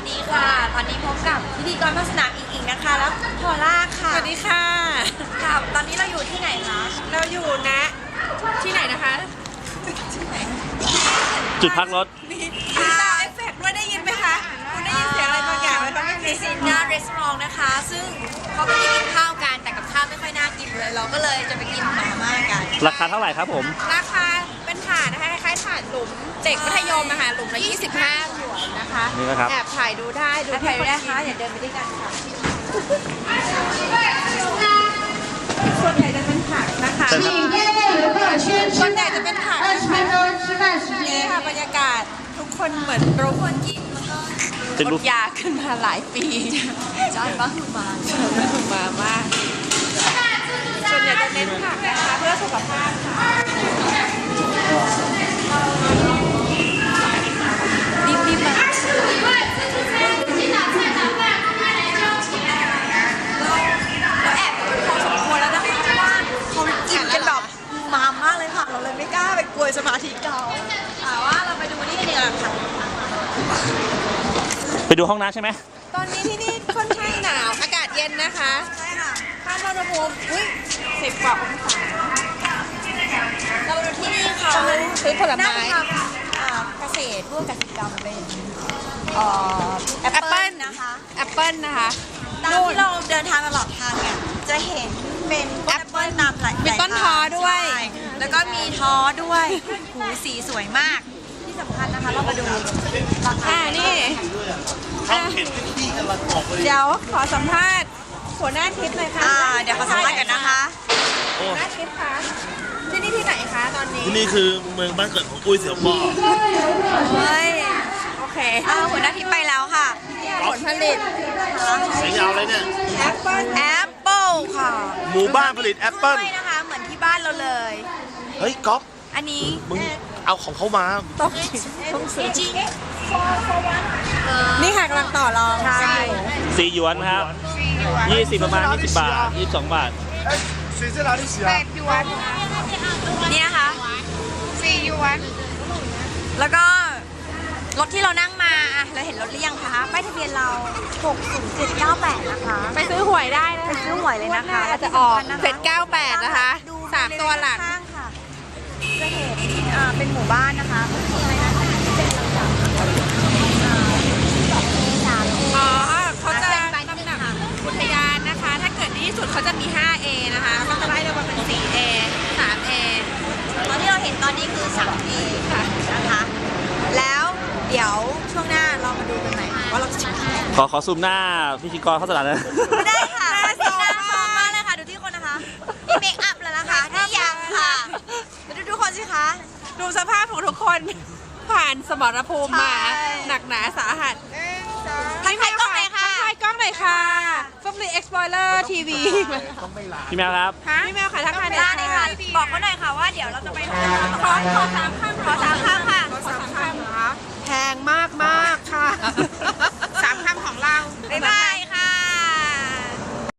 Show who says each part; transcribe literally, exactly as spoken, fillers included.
Speaker 1: ดีค่ะตอนนี้พบกับพิธีกรภาคสนามอีกๆนะคะแล้วพอล่าค่ะ
Speaker 2: สวัสดีค่ะ
Speaker 1: ค่ะตอนนี้เราอยู่ที่ไหนคะ
Speaker 2: เราอยู่นะที่ไหนนะคะ
Speaker 3: จุดพักรถ
Speaker 2: มีมีซาวด์เอฟเฟกต์ด้วยได้ยินไหมคะคุณได้ยินเสียงอะไรบางอย่างไหมคะไม่มี
Speaker 1: ซินนารีสอร์ทนะคะ ซึ่งเขาไม่ได้กินข้าวกันแต่กับข้าวไม่ค่อยน่ากินเลย เราก็เลยจะไปกินมาม่ากัน
Speaker 3: ราคาเท่าไหร่ครับผม
Speaker 2: ราคาเป็นถาดนะคะคล้ายๆถาดหลุมเด็กมัธยมอะค่ะหลุมละยี่สิบห้าหยวนนะคะ
Speaker 3: นี่นะครับ
Speaker 2: แอบถ่ายดูได้ดู
Speaker 1: ถ่ายได้คะอย่าเดินไปด้วยกันค่ะ
Speaker 2: ส่วนใหญ่จะเป็นผักนะคะส่วนใหญ่จะเป็นผักนะคะนี่ค่ะบรรยากาศทุกคนเหมือนรู้คนกินแล้วก็อดยาขึ้นมาหลายปี
Speaker 1: จอนบ้าคือมา
Speaker 2: จอนบ้าคือมามากส่วนใหญ่จะเน้นผักนะคะเพื่อสุขภาพค่ะ
Speaker 1: รีบรีบมาเราแอบพอสมควรแล้วนะคะเพราะว่าเขากินกันแบบมามากเลยค่ะเราเลยไม่กล้าไปกวนสมาธิเขาแต่ว่าเราไปดูนี่กันดีกว่าค่ะ
Speaker 3: ไปดูห้องน้ำใช่ไหม
Speaker 2: ตอนนี้ที่นี่ค่อนข้างหนาวอากาศเย็นนะคะ
Speaker 1: ใช่ค่ะ
Speaker 2: ค่าอุณหภูมิอุ้ยสิบกว่าองศา
Speaker 1: เราดูที่นี่ค่ะ
Speaker 2: ซื้อผลไม้
Speaker 1: นั่งทำเกษตรร่วมกสิกรรมเป็นแอป
Speaker 2: แอป
Speaker 1: เปิ้
Speaker 2: เปิ้
Speaker 1: ล
Speaker 2: ล
Speaker 1: นะคะ
Speaker 2: แอปเปิ้ลนะคะ
Speaker 1: ตามที่เราเดินทางตลอดทางเนี่ยจะเห็นเป็นแอปเปิ้ลนำหลาย
Speaker 2: มีต้นท้อด้วย
Speaker 1: ใช่แล้วก็มีท้อด้วยหูสีสวยมากที่สำคัญนะคะเรามาดูราคา
Speaker 2: อ่านี่อ่ะเดี๋ยวขอสัมภาษณ์หัวหน้าทิพย์หน่อยค่ะ
Speaker 1: อ่าเดี๋ยวขอสัมภาษณ์กันนะคะ
Speaker 2: หัวหน้าทิพย์คะที่นี่ที่ไหนคะตอนนี้
Speaker 4: ที่นี่คือเมืองบ้านเกิดของอุ้ยเสี่ยวป้อ
Speaker 1: เฮ้ย
Speaker 2: โอเค
Speaker 1: เอาหัวหน้าทิพย์ไปแล้วค่ะ
Speaker 2: เนี่ยผลผลิต
Speaker 4: สายยาวเลยเนี่ย
Speaker 2: แอปเปิ้ล
Speaker 1: แอปเปิลค่ะ
Speaker 4: หมู่บ้านผลิตแอปเปิ้ล
Speaker 1: กล้วยนะคะเหมือนที่บ้านเราเลย
Speaker 4: เฮ้ยก๊อฟ
Speaker 1: อันนี้
Speaker 4: มึงเอาของเขามา
Speaker 2: ต้องต้องซื้อ
Speaker 1: จริง
Speaker 2: นี่ค่ะกำลังต่อรอง
Speaker 1: ใช่
Speaker 3: สี่หยวนครับยี่สิบประมาณยี่สิบบาทยี่สิบสองบาท
Speaker 4: 水在哪里洗啊
Speaker 2: แปดหยวน
Speaker 1: นี่นะคะ
Speaker 2: สี่หยวน
Speaker 1: แล้วก็รถที่เรานั่งมาอะเราเห็นรถหรือยังคะป้ายทะเบียนเราหกศูนย์เจ็ดเก้าแปดนะคะ
Speaker 2: ไปซื้อหวยได้นะ
Speaker 1: ไปซื้อหวยเลยนะคะ
Speaker 2: อาจจะออกเจ็ดเก้าแปดนะคะสามตัวหลัง
Speaker 1: ข้างค่ะจะเห็นอ่าเป็นหมู่บ้านนะคะมีอะไรนะคะที่เป็นลำดับอ่าสอง เอ สาม เอ
Speaker 2: อ๋อเขาจะลำดับอุทยานนะคะ ถ้าเกิดดีที่สุดเขาจะมี ห้า เอ นะคะเขาจะไล่ลงมาเป็น สี่ เอ สาม เอ
Speaker 1: ตอนที่เราเห็นตอนนี้คือ สาม เอ
Speaker 2: ค่ะ
Speaker 1: นะคะ แล้วเดี๋ยวช่วงหน้าเรามาดูกันใหม่ว่าเราจะถึงที่ไหน
Speaker 3: ขอขอซูมหน้าพิธีกรเข้าสนามนะ
Speaker 1: ไม่ได้ค่ะหน้าซ้อมมากเลยค่ะดูที่คนนะคะนี่เมคอัพแล้วนะคะนี่ยังค่ะมาดูทุกคนสิคะ
Speaker 2: ดูสภาพของทุกคนผ่านสมรภูมิมา
Speaker 1: ใช่
Speaker 2: หนักหนาสาหัส
Speaker 1: ทักทายกล้องเลยค่ะ
Speaker 2: ทักทายกล้องหน่อยค่ะฟลุ๊กลี Explorer ที วี
Speaker 3: พี่แมวครับ
Speaker 2: พี่แมวค่ะทักทายหน่
Speaker 1: ได้
Speaker 2: อย
Speaker 1: เลย
Speaker 2: ค่ะ
Speaker 1: ค่ะบอกเขาหน่อยค่ะว่าเดี๋ยวเราจะไปไหน
Speaker 2: ขอขอสามค